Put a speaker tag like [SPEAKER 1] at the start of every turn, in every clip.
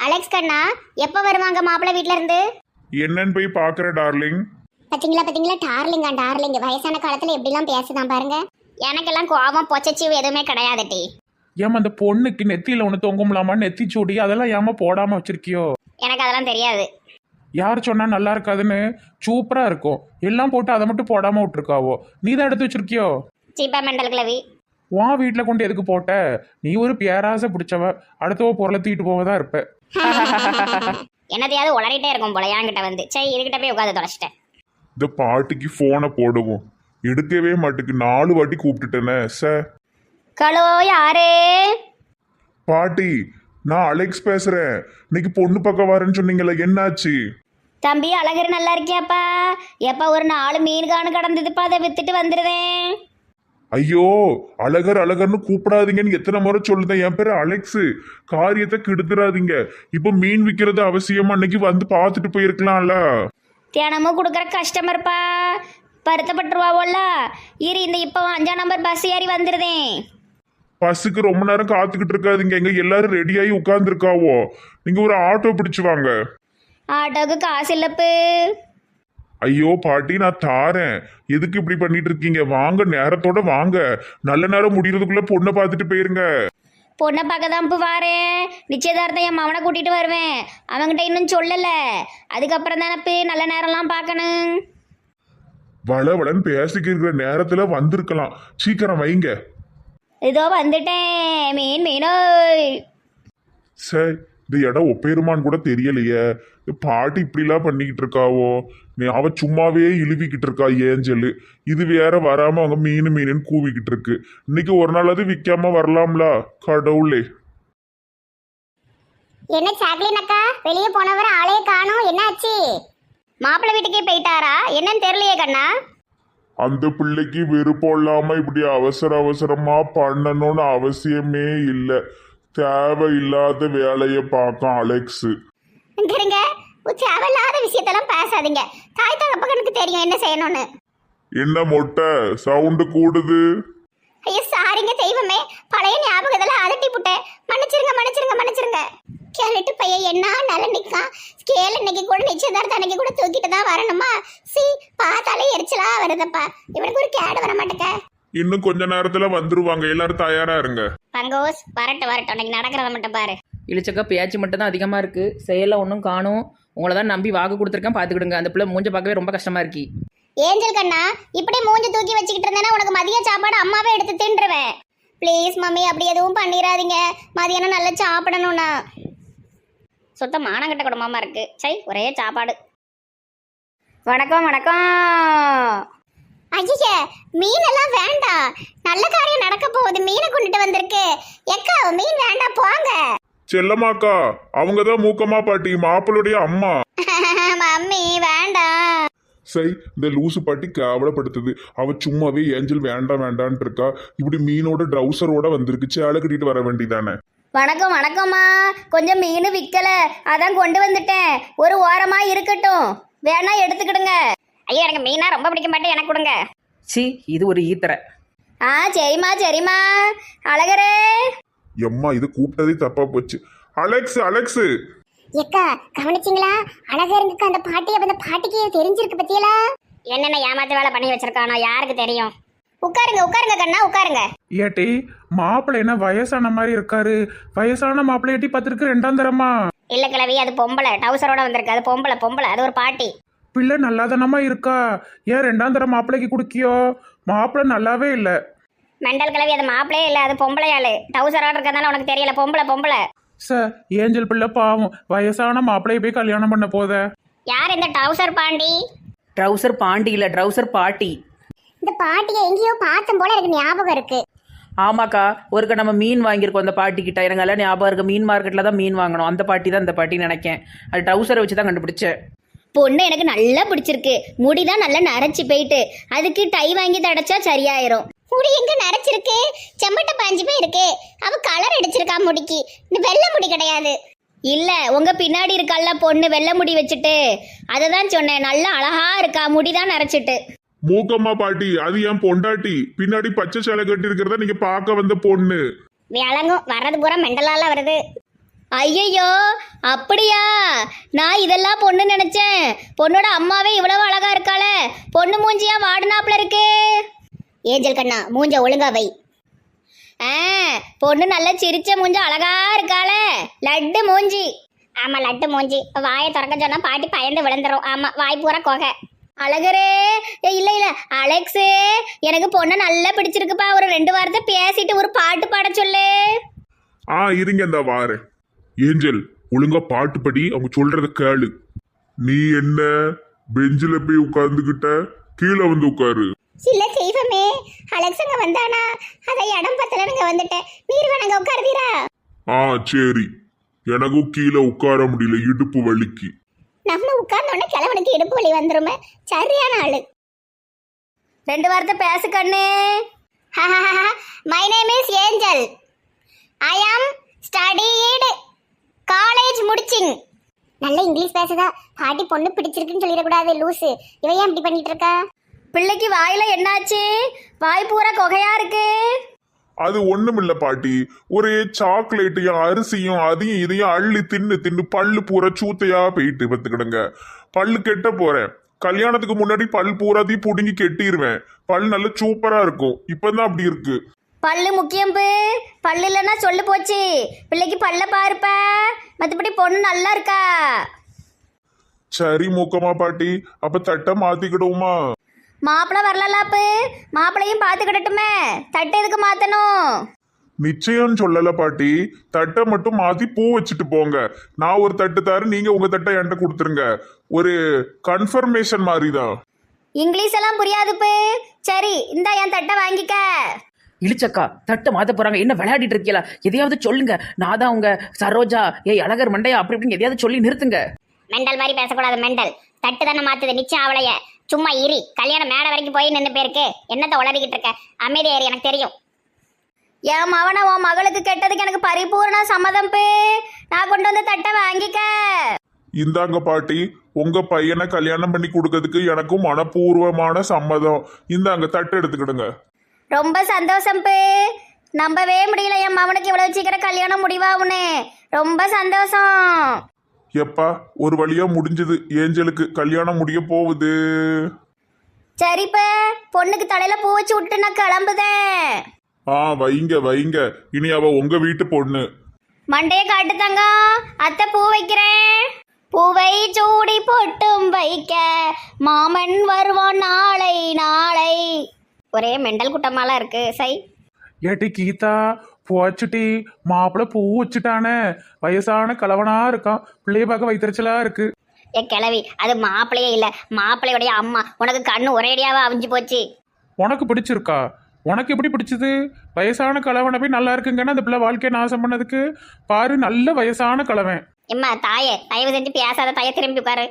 [SPEAKER 1] Alex கண்ணா, எப்ப வருவாங்க மாப்பிள்ளை வீட்ல இருந்து?
[SPEAKER 2] என்னன்னு போய் பாக்குற டார்லிங்.
[SPEAKER 1] பாத்தீங்களா டார்லிங்கா டார்லிங் வயசான காலத்துல எப்படிலாம் பேசுதான் பாருங்க. எனக்கெல்லாம் கோபம் பொச்சச்சிவு எதுவுமே கிடையாது டி.
[SPEAKER 3] ஏமா அந்த பொண்ணுக்கு நெத்தியில ஒன்று தொங்கும்லாமா, நெத்தி சூடி அதெல்லாம் ஏமா போடாம வச்சிருக்கியோ?
[SPEAKER 1] எனக்கு அதெல்லாம் தெரியாது.
[SPEAKER 3] யார் சொன்னா நல்லா இருக்காதுன்னு? சூப்பரா இருக்கும். எல்லாம் போட்டு அதை மட்டும் போடாம விட்டுருக்காவோ. நீ தான் எடுத்து வச்சிருக்கியோ?
[SPEAKER 1] சீப்பா மெண்டல் கிளவி.
[SPEAKER 3] உன் வீட்டில் கொண்டு எதுக்கு போட்ட? நீ ஒரு பேராசை பிடிச்சவ, அடுத்தவ பொருளை தூக்கிட்டு போவதா இருப்ப.
[SPEAKER 1] என்னதையாவது உளறிட்டே இருக்கும் போல என்கிட்ட வந்து. சரி, இதுகிட்ட போய் உட்காந்து தொலைச்சிட்டேன்.
[SPEAKER 2] இந்த பாட்டிக்கு போனை போடுவோம். எடுக்கவே மாட்டுக்கு 4 வாட்டி கூப்பிட்டுட்டேனே சார்.
[SPEAKER 1] ஹலோ, யாரு?
[SPEAKER 2] பாட்டி, நான் அலெக்ஸ் பேசுறேன். இன்னைக்கு பொண்ணு பக்கம் வரேன்னு சொன்னீங்கல்ல, என்னாச்சு?
[SPEAKER 1] தம்பி அழகர் நல்லா இருக்கியாப்பா? எப்ப ஒரு 4 மீன் காணு கடந்ததுப்பா, அதை வித்துட்டு வந்துடுவேன்.
[SPEAKER 2] ஐயோ, அழகர் அழகர்னு கூப்பிடாதீங்கன்னு எத்தனை முறை சொல்லுதேன். என் பேரு அலெக்ஸ். காரியத்தை கெடுத்துறாதீங்க. இப்போ மீன் விற்கிறது அவசியமா? அன்னைக்கு வந்து பார்த்துட்டு போயிருக்கலாம்ல.
[SPEAKER 1] தினமும் கொடுக்குற கஸ்டமர்ப்பா, வருத்தப்பட்டுருவாவோல்ல. இரு, இந்த இப்போ 5ஆம் நம்பர் பஸ் ஏறி வந்துடுதேன்.
[SPEAKER 2] பஸ்ஸுக்கு ரொம்ப நேரம் காத்துக்கிட்டு இருக்காதீங்க. எங்க எல்லாரும் ரெடியாகி உட்கார்ந்துருக்காவோ. நீங்க ஒரு ஆட்டோ பிடிச்சு வாங்க.
[SPEAKER 1] ஆட்டோவுக்கு காசு இல்லப்பு.
[SPEAKER 2] ஐயோ பாட்டி, நான் தாரேன். எதுக்கு இப்படி பண்ணிட்டு இருக்கீங்க? வாங்க, நேரத்தோட வாங்க. நல்ல நேரம் முடியறதுக்குள்ள பொண்ணை பார்த்துட்டு போயிருங்க.
[SPEAKER 1] பொண்ணை பார்க்க தான் இப்போ வாரேன். நிச்சயதார்த்தம் என் மவனை கூட்டிட்டு வருவேன். அவன்கிட்ட இன்னும் சொல்லல. அதுக்கப்புறம் தானே நல்ல நேரம்லாம் பார்க்கணும்.
[SPEAKER 2] வளவளன்னு பேசிக்கிற நேரத்துல வந்திருக்கலாம். சீக்கிரம் வைங்க.
[SPEAKER 1] இதோ வந்துட்டேன். மீனோய்.
[SPEAKER 2] சார், இந்த இடம் ஒப்பேருமான்னு கூட தெரியலையே. பாட்டி இப்படிலாம் பண்ணிக்கிட்டு இருக்காவோ. அவ சும்மாவே இழுவிக்கிட்டு இருக்கா ஏஞ்சல். இது வேற வராம அவங்க மீனுன்னு கூவிக்கிட்டு இருக்கு. இன்னைக்கு ஒரு நாள் அது விற்காம வரலாம்ல. கடவுளே.
[SPEAKER 1] என்ன சாக்லின் அக்கா, வெளியே போனவர ஆளையே காணோம், என்னாச்சு? மாப்பிள்ளை வீட்டுக்கே போயிட்டாரா என்னன்னு தெரியலையே கண்ணா.
[SPEAKER 2] அந்த பிள்ளைக்கு விருப்பம் இல்லாம இப்படி அவசரமா பண்ணணும்னு அவசியமே இல்லை. தேவையில்லாத வேலையை பார்க்கும் அலெக்ஸ்.
[SPEAKER 1] இருங்க, தேவையில்லாத விஷயத்தெல்லாம் பேசாதீங்க. தாய் தகப்பனுக்கு தெரியும் என்ன செய்யணும்னு.
[SPEAKER 2] என்ன மொட்டை சவுண்டு கூடுது?
[SPEAKER 1] ஐயோ சாரிங்க தெய்வமே, பழைய ஞாபகத்துல அதட்டி புட்டேன். மன்னிச்சிருங்க. கேரட்டு பையன் என்ன நல்ல நிற்கான். ஸ்கேல் இன்னைக்கு கூட நிச்சயதார்த்தம் அன்னைக்கு கூட தூக்கிட்டு தான் வரணுமா? பார்த்தாலே எரிச்சலா வருதப்பா. இவனுக்கு ஒரு கேடு வர மாட்டேங்க.
[SPEAKER 2] இன்னும் கொஞ்ச நேரத்துல வந்துருவாங்க. எல்லாரும் தயாரா இருங்க.
[SPEAKER 1] பங்கோஸ் வரட்டும். இன்னைக்கு நடக்கிறத மட்டும் பாரு.
[SPEAKER 4] இழிச்சக்கா பேச்சு மட்டும் தான் அதிகமாக இருக்குது, செயலில் ஒன்றும் காணும். உங்களை தான் நம்பி வாக்கு கொடுத்துருக்கேன், பார்த்துக்கிடுங்க. அந்த பிள்ளை மூஞ்ச பார்க்கவே ரொம்ப கஷ்டமாக இருக்கு.
[SPEAKER 1] ஏஞ்சல் கண்ணா, இப்படி மூஞ்சி தூக்கி வச்சுக்கிட்டு இருந்தேன்னா உனக்கு மதிய சாப்பாடு அம்மாவே எடுத்து தின்றுவேன். ப்ளீஸ் மம்மி, அப்படி எதுவும் பண்ணிடாதீங்க. மதியானம் நல்லா சாப்பிடணும்னா. சுத்த மானங்கட்ட குடும்பமா இருக்கு. சரி, ஒரே சாப்பாடு. வணக்கம். ஐய, மீனெல்லாம் வேண்டாம். நல்ல காரியம் நடக்க போகுது. மீனை கொண்டுட்டு வந்திருக்கு. எக்கா, மீன் வேண்டாம், போங்க.
[SPEAKER 2] செல்லமாக்கா, அவங்கதான் மூக்கம்மா பாட்டி, மாப்பிளுடைய அம்மா.
[SPEAKER 1] மம்மி வேண்டாம்.
[SPEAKER 2] சரி, இந்த லூசு பாட்டி கேவலப்படுத்துது. அவ சும்மாவே ஏஞ்சல் வேண்டான்ட்டு இருக்கா. இப்படி மீனோட ட்ரௌசரோட வந்திருக்கு. சேலை கட்டிட்டு வர வேண்டியதானே.
[SPEAKER 1] வணக்கம்மா. கொஞ்சம் மீன் விற்கல, அதான் கொண்டு வந்துட்டேன். ஒரு ஓரமா இருக்கட்டும், வேணா எடுத்துக்கிடுங்க. ஐயோ, எனக்கு மீனா ரொம்ப பிடிக்க மாட்டேன், எனக்கு கொடுங்க.
[SPEAKER 4] இது ஒரு ஈத்தரை.
[SPEAKER 1] சரிம்மா. அழகரே.
[SPEAKER 2] எம்மா, இது கூப்பிட்டதே தப்பா போச்சு. அலெக்ஸ்.
[SPEAKER 1] ஏக்கா, கவனிச்சிங்களா? அழகருங்க அந்த பாட்டி. அந்த பாட்டிக்கு தெரிஞ்சிருக்கு பத்தியலா? என்னென்ன ஏமாத்த வேலை பண்ணி வச்சிருக்கானோ யாருக்கு தெரியும். உட்காருங்க கண்ணா, உட்காருங்க.
[SPEAKER 3] ஏட்டி, மாப்பிள்ளை என்ன வயசான மாதிரி இருக்காரு? வயசான மாப்பிள்ளை ஏட்டி பார்த்துருக்கு 2ஆம் தரமா?
[SPEAKER 1] இல்ல கிழவி, அது பொம்பளை. டவுசரோட வந்திருக்கு. அது பொம்பளை. அது ஒரு பாட்டி.
[SPEAKER 3] பிள்ளை நல்லாதானமா இருக்கா? ஏன் 2ஆம் தரம் மாப்பிள்ளைக்கு குடுக்கியோ? மாப்பிள்ளை நல்லாவே இல்லை.
[SPEAKER 1] மெண்டல் கிழவி, அது மாப்பிளையே இல்ல, அது பொம்பளையாளு. டவுசரோட இருக்கறதால உனக்கு தெரியல. பொம்பளை.
[SPEAKER 3] சார், ஏஞ்சல் பிள்ளை பாவம் வயசான மாப்பிள்ளைய போய் கல்யாணம் பண்ண போத.
[SPEAKER 1] யார் இந்த டவுசர் பாண்டி?
[SPEAKER 4] ட்ரௌசர் பாண்டி இல்லை, ட்ரௌசர் பாட்டி.
[SPEAKER 1] இந்த பாட்டியை எங்கேயோ பார்த்தம் போல எனக்கு ஞாபகம் இருக்கு.
[SPEAKER 4] ஆமாக்கா, ஒருக்க நம்ம மீன் வாங்கியிருக்கோம் அந்த பாட்டிக்கிட்ட. எனக்கு எல்லாம் ஞாபகம் இருக்கு. மீன் மார்க்கெட்டில் தான் மீன் வாங்கணும். அந்த பாட்டி தான் இந்த பாட்டின்னு நினைக்கேன். அது டவுசரை வச்சு தான் கண்டுபிடிச்சேன்.
[SPEAKER 1] பொண்ணு எனக்கு நல்லா பிடிச்சிருக்கு. முடிதான் நல்லா நரைச்சி போயிட்டு, அதுக்கு டை வாங்கி தடைச்சா சரியாயிரும். முடி எங்க நரைச்சிருக்கு? செம்மட்ட பாஞ்சு போய் இருக்கு. அவ கலர் அடிச்சிருக்கா முடிக்கு. இந்த வெள்ளை முடி கிடையாது. இல்ல, உங்க பின்னாடி இருக்கல்ல பொண்ணு வெள்ளை முடி வச்சுட்டு, அததான் சொன்னேன். நல்லா அழகா இருக்கா, முடிதான் நரைச்சிட்டு.
[SPEAKER 2] மூக்கம்மா பாட்டி, அது என் பொண்டாட்டி. பின்னாடி பச்சை சேலை கட்டி இருக்கிறத நீங்க பார்க்க வந்த பொண்ணு.
[SPEAKER 1] விளங்கும், வர்றது பூரா மெண்டலால வருது. ஐயையோ அப்படியா? நான் இதெல்லாம் பொண்ணு நினைச்சேன். பொண்ணோட அம்மாவே இவ்வளவு அழகா இருக்காளே, பொண்ணு மூஞ்சியா வாடினாப்புல இருக்கு. ஏஞ்சல் கண்ணா மூஞ்ச ஒழுங்கா வை. பொண்ணு நல்ல சிரிச்ச மூஞ்ச அழகா இருக்காளே, லட்டு மூஞ்சி. ஆமா லட்டு மூஞ்சி. வாயை திறக்க சொன்னா பாட்டி பயந்து விழுந்துரும். ஆமா வாய் பூரா கொகை. அழகரே இல்ல இல்ல அலெக்ஸு, எனக்கு பொண்ணு நல்லா பிடிச்சிருக்குப்பா. ஒரு 2 வாரத்தை பேசிட்டு ஒரு பாட்டு பாட சொல்லு.
[SPEAKER 2] இருங்க இந்த வாரேன். ஏஞ்சல் ஒழுங்கா பாட்டு படி, அவங்க சொல்றத கேளு. நீ என்ன பெஞ்சில போய் உட்கார்ந்துகிட்ட, கீழே வந்து உட்காரு.
[SPEAKER 1] இல்ல தெய்வமே, அலெக்ஸங்க வந்தானா, அதை இடம் பத்தலனுங்க வந்துட்டேன். நீர் வேணாங்க உட்காருவீரா?
[SPEAKER 2] சரி. எனக்கும் கீழே உட்கார முடியல, இடுப்பு வலிக்கு.
[SPEAKER 1] நம்ம உட்கார்ந்தோடனே கிழவனுக்கு இடுப்பு வலி வந்துருமே. சரியான ஆளு. 2 வாரத்தை பேசு கண்ணு. My name is Angel. I am studied college முடிச்சிங். நல்ல இங்கிலீஷ் பேசுதா. பாட்டி பொண்ணு பிடிச்சிருக்குன்னு சொல்லிடக்கூடாது, லூசு. இவ ஏன் இப்படி பண்ணிட்டு இருக்கா? பிள்ளைக்கு வாயில என்னாச்சு? வாய் பூரா கொகையா இருக்கு.
[SPEAKER 2] அது ஒண்ணுமில்ல பாட்டி, ஒரு சாக்லேட்டையும் அரிசியும் அதையும் இதையும் அள்ளி தின்னு தின்னு பல்லு பூரா சூத்தையா போயிட்டு பத்துக்கிடுங்க. பல்லு கெட்ட போறேன். கல்யாணத்துக்கு முன்னாடி பல் பூராத்தையும் புடுங்கி கெட்டிடுவேன். பல் நல்ல சூப்பரா இருக்கும். இப்பதான் அப்படி இருக்கு.
[SPEAKER 1] பல்லு முக்கியம். பல்லு இல்லைன்னா சொல்லு போச்சு. பிள்ளைக்கு பல்ல பாருப்ப. மற்றபடி பொண்ணு நல்லா இருக்கா.
[SPEAKER 2] சரி மூக்கமா பாட்டி, அப்ப தட்டை மாத்திக்கிடுவோமா?
[SPEAKER 1] மாப்பிள்ளை வரலாப்பு, மாப்பிள்ளையும் பார்த்துக்கிடட்டுமே. தட்டு எதுக்கு மாத்தணும்?
[SPEAKER 2] நிச்சயம் சொல்லல பாட்டி. தட்டை மட்டும் மாத்தி பூ வச்சுட்டு போங்க. நான் ஒரு தட்டு தரேன், நீங்க உங்க தட்டை என்கிட்ட கொடுத்துருங்க. ஒரு கன்ஃபர்மேஷன் மாதிரிதான்.
[SPEAKER 1] இங்கிலீஷ் எல்லாம் புரியாதுப்பு. சரி இந்தா என் தட்டை வாங்கிக்க.
[SPEAKER 4] இழிச்சக்கா தட்டை மாத்த போறாங்க, என்ன விளையாடிட்டு இருக்கீங்களா? எதையாவது சொல்லுங்க. நான் தான் உங்க சரோஜா, அழகர் மண்டையா அப்படி இப்படின்னு எதையாவது சொல்லி நிறுத்துங்க.
[SPEAKER 1] மெண்டல் மாதிரி பேசக்கூடாது. மெண்டல் தட்டு தானே மாத்துது. நிச்சயம் அவளைய சும்மா இரி. கல்யாணம் மேடை வரைக்கும் போய் நின்று போயிருக்கு. என்னத்தை உளறிக்கிட்டு இருக்க? அமைதி ஏறி, எனக்கு தெரியும். என் மவனை உன் மகளுக்கு கெட்டதுக்கு எனக்கு பரிபூர்ண சம்மதம். நான் கொண்டு வந்து தட்டை வாங்கிக்க.
[SPEAKER 2] இந்தாங்க பாட்டி, உங்க பையனை கல்யாணம் பண்ணி கொடுக்கறதுக்கு எனக்கும் மனப்பூர்வமான சம்மதம். இந்தாங்க தட்டு எடுத்துக்கிடுங்க.
[SPEAKER 1] ரொம்ப சந்தோஷம். நம்பவே முடியல என் மவனுக்கு இவ்வளவு சீக்கிரம் கல்யாணம் முடிவாகுன்னு. ரொம்ப சந்தோஷம்.
[SPEAKER 2] எப்பா ஒரு வழியா முடிஞ்சது. ஏஞ்சலுக்கு கல்யாணம் முடிய போகுது.
[SPEAKER 1] சரிப்ப பொண்ணுக்கு தலையில பூ வச்சு விட்டு நான் கிளம்புதேன்.
[SPEAKER 2] வைங்க வைங்க. இனி அவ உங்க வீட்டு பொண்ணு.
[SPEAKER 1] மண்டைய காட்டு தங்கம். அத்தை பூ வைக்கிறேன். பூவை சூடி பொட்டும் வைக்க மாமன் வருவான் நாளை நாளை. ஒரே மெண்டல் குட்டமாலாம் இருக்கு. சை
[SPEAKER 3] ஏட்டி கீதா, போச்சுட்டி. மாப்பிள்ளை பூ வச்சுட்டானே, வயசான கலவனா இருக்கான். பிள்ளைய பார்க்க வைத்தறிச்சலா இருக்கு.
[SPEAKER 1] ஏ கிளவி, அது மாப்பிள்ளையே இல்ல, மாப்பிள்ளையுடைய அம்மா. உனக்கு கண்ணு ஒரேடியாவா அவிஞ்சு போச்சு.
[SPEAKER 3] உனக்கு பிடிச்சிருக்கா? உனக்கு எப்படி பிடிச்சது? வயசான கலவனை போய் நல்லா இருக்குங்கன்னு அந்த பிள்ளை வாழ்க்கையை நாசம் பண்ணதுக்கு பாரு. நல்ல வயசான கலவன்.
[SPEAKER 1] எம்மா தாயே, தயவு செஞ்சு பேசாத. தாய திரும்பி உட்காரு.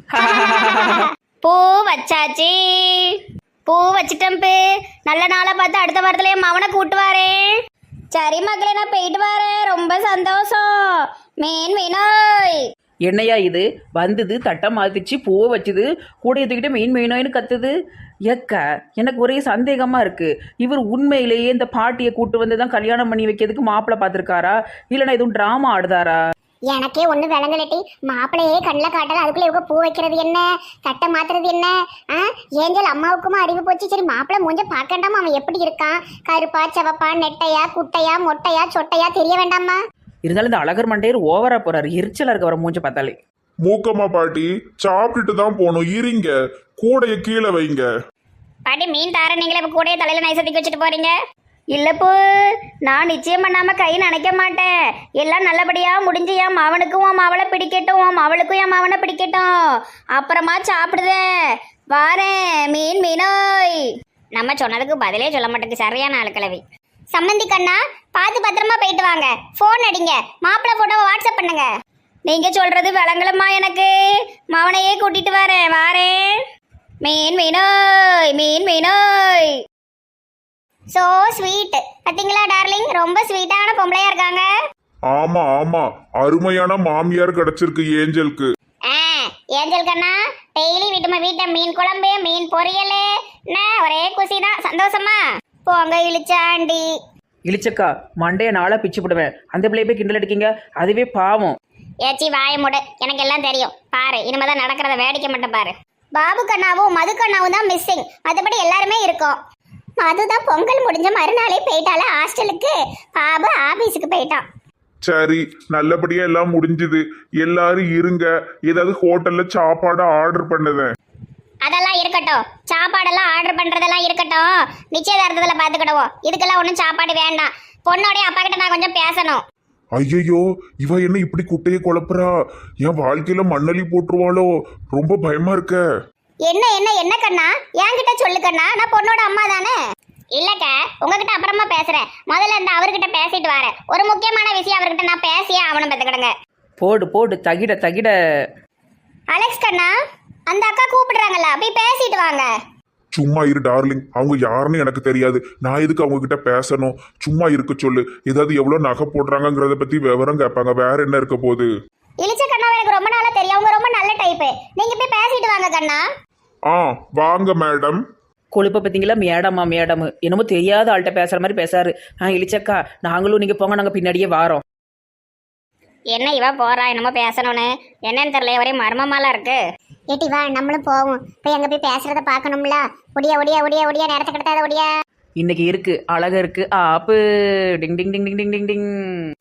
[SPEAKER 1] பூ வச்சாச்சு. பூ வச்சிட்டேன். நல்ல நாளா பார்த்து அடுத்த வாரத்துல என் மவனை கூட்டு வரேன். சரி மக்களே, நான் போயிட்டு வரேன். ரொம்ப சந்தோஷம். மீன் மீனோய்.
[SPEAKER 4] என்னையா இது வந்தது, தட்டை மாத்திச்சு, பூவை வச்சுது, கூடைய தூக்கிட்டு மீன் மீனோயின்னு கத்துது. எனக்கு ஒரே சந்தேகமா இருக்கு. இவர் உண்மையிலேயே இந்த பாட்டியை கூட்டு வந்து தான் கல்யாணம் பண்ணி வைக்கிறதுக்கு மாப்பிள்ளை பார்த்துருக்காரா, இல்லைன்னா எதுவும் டிராமா ஆடுதாரா?
[SPEAKER 1] எனக்கே ஒண்ணு விளங்கலட்டி. மாப்பிள்ளையே கண்ணில் காட்டல, அதுக்குள்ள இவங்க பூ வைக்கிறது என்ன, தட்டை மாத்துறது என்ன? ஏஞ்சல் அம்மாவுக்குமா அறிவு போச்சு. சரி மாப்பிள்ளை மூஞ்ச பார்க்கண்டாமா, அவன் எப்படி இருக்கான்? கருப்பா செவப்பா, நெட்டையா குட்டையா மொட்டையா சொட்டையா தெரிய வேண்டாமா?
[SPEAKER 4] இருந்தாலும் இந்த அழகர் மண்டையர் ஓவரா போறாரு. எரிச்சலா இருக்க வர மூஞ்ச பார்த்தாலே.
[SPEAKER 2] மூக்கம்மா பாட்டி, சாப்பிட்டுட்டு தான் போகணும். இருங்க, கூடைய கீழே வைங்க.
[SPEAKER 1] பாட்டி மீன் தார, நீங்களே இப்போ கூடைய தலையில நைசத்துக்கு வச்சுட்டு போறீங்க. இல்லப்போ நான் நிச்சயம் பண்ணாம கை நினைக்க மாட்டேன். எல்லாம் நல்லபடியா முடிஞ்சு என் மவனுக்கும் உன் மவளை பிடிக்கட்டும், உன் மவளுக்கும் என் மவனை பிடிக்கட்டும். அப்புறமா சாப்பிடுதேன். வாரேன். மீன் மீனோய். நம்ம சொன்னதுக்கு பதிலே சொல்ல மாட்டேங்குது. சரியான ஆளுக்கிழவி. சம்மந்தி கண்ணா, பார்த்து பத்திரமா போயிட்டு வாங்க. ஃபோன் அடிங்க. மாப்பிள்ளை போட்டோவை வாட்ஸ்அப் பண்ணுங்க. நீங்க சொல்றது விளங்கலம்மா. எனக்கு மவனையே கூட்டிட்டு வரேன். வாரேன். மீன் மீனோய். மீன் மீனோய். So sweet. பாத்தீங்களா டார்லிங், ரொம்ப ஸ்வீட்டான பொம்பளையா இருக்காங்க.
[SPEAKER 2] ஆமா ஆமா, அருமையான மாமியார் கிடைச்சிருக்கு ஏஞ்சலுக்கு.
[SPEAKER 1] ஏஞ்சல் கண்ணா, டெய்லி வீட்டை மீன் குழம்பு, மீன் பொரியல், ஒரே குசி தான். சந்தோஷமா போங்க இழுச்சாண்டி.
[SPEAKER 4] இழிச்சக்கா மண்டைய நாளா பிச்சு போடுவேன். அந்த பிள்ளைய போய் கிண்டல் அடிக்கீங்க, அதுவே பாவம்.
[SPEAKER 1] ஏச்சி வாய முடு, எனக்கு எல்லாம் தெரியும். பாரு இனிமேதான் நடக்கிறத வேடிக்கை மட்டும் பாரு. பாபு கண்ணாவும் மது கண்ணாவும் தான் மிஸ்ஸிங், மற்றபடி எல்லாருமே இருக்கோம். மதுதான் பொங்கல் முடிஞ்ச மறுநாளே போயிட்டால ஹாஸ்டலுக்கு, பாபு ஆபீஸுக்கு போயிட்டான்.
[SPEAKER 2] சரி, நல்லபடியா எல்லாம் முடிஞ்சுது. எல்லாரும் இருங்க, ஏதாவது ஹோட்டல்ல சாப்பாடு ஆர்டர் பண்ணுதேன்.
[SPEAKER 1] அதெல்லாம் இருக்கட்டும், சாப்பாடெல்லாம் ஆர்டர் பண்றதெல்லாம் இருக்கட்டும், நிச்சயதார்த்தத்துல பாத்துக்கிடுவோம். இதுக்கெல்லாம் ஒன்றும் சாப்பாடு வேண்டாம். பொண்ணோடைய அப்பா கிட்ட நான் கொஞ்சம் பேசணும்.
[SPEAKER 2] ஐயையோ, இவ என்ன இப்படி குட்டையை குழப்புறா? என் வாழ்க்கையில மண்ணலி போட்டுருவாளோ? ரொம்ப பயமா இருக்க.
[SPEAKER 1] என்ன என்ன என்ன கண்ணா, என்கிட்ட சொல்லு கண்ணா, நான் பொண்ணோட அம்மா தானே. இல்லக்க, உங்ககிட்ட அப்புறமா பேசுறேன். முதல்ல இந்த அவர்கிட்ட பேசிட்டு வரேன். ஒரு முக்கியமான விஷயம் அவர்கிட்ட நான் பேசியே அவனை பெற்றுக்கிடுங்க.
[SPEAKER 4] போடு போடு, தகிட தகிட.
[SPEAKER 1] அலெக்ஸ் கண்ணா, அந்த அக்கா கூப்பிடுறாங்கல்ல, போய் பேசிட்டு வாங்க.
[SPEAKER 2] சும்மா இரு டார்லிங், அவங்க யாருன்னு எனக்கு தெரியாது. நான் எதுக்கு அவங்க கிட்ட பேசணும்? சும்மா இருக்க சொல்லு. ஏதாவது எவ்வளவு நகை போடுறாங்கங்கிறத பத்தி விவரம் கேட்பாங்க. வேற என்ன இருக்க போகுது?
[SPEAKER 1] இளிச்ச கண்ணா எனக்கு ரொம்ப நாளா தெரியும், அவங்க ரொம்ப நல்ல டைப்பு. நீங்க போய் பேசிட்டு வாங்க கண்ணா.
[SPEAKER 2] வாங்க மேடம்.
[SPEAKER 4] கொழுப்ப பார்த்தீங்களா? மேடமா மேடம், என்னமோ தெரியாத ஆள்கிட்ட பேசுற மாதிரி பேசாரு. இழிச்சக்கா நாங்களும் நீங்க போங்க, நாங்க பின்னாடியே வாரோம்.
[SPEAKER 1] என்ன இவ போறா என்னமோ பேசணும்னு, என்னன்னு தெரியல, ஒரே மர்மமாலாம் இருக்கு. ஏட்டி வா நம்மளும் போவோம், போய் அங்க போய் பேசுறத பாக்கணும்ல. ஒடியா ஒடியா ஒடியா ஒடியா, நேரத்தை கிடத்தாத ஒடியா.
[SPEAKER 4] இன்னைக்கு இருக்கு, அழகா இருக்கு. ஆப்பு டிங் டிங் டிங் டிங் டிங் டிங் டிங்.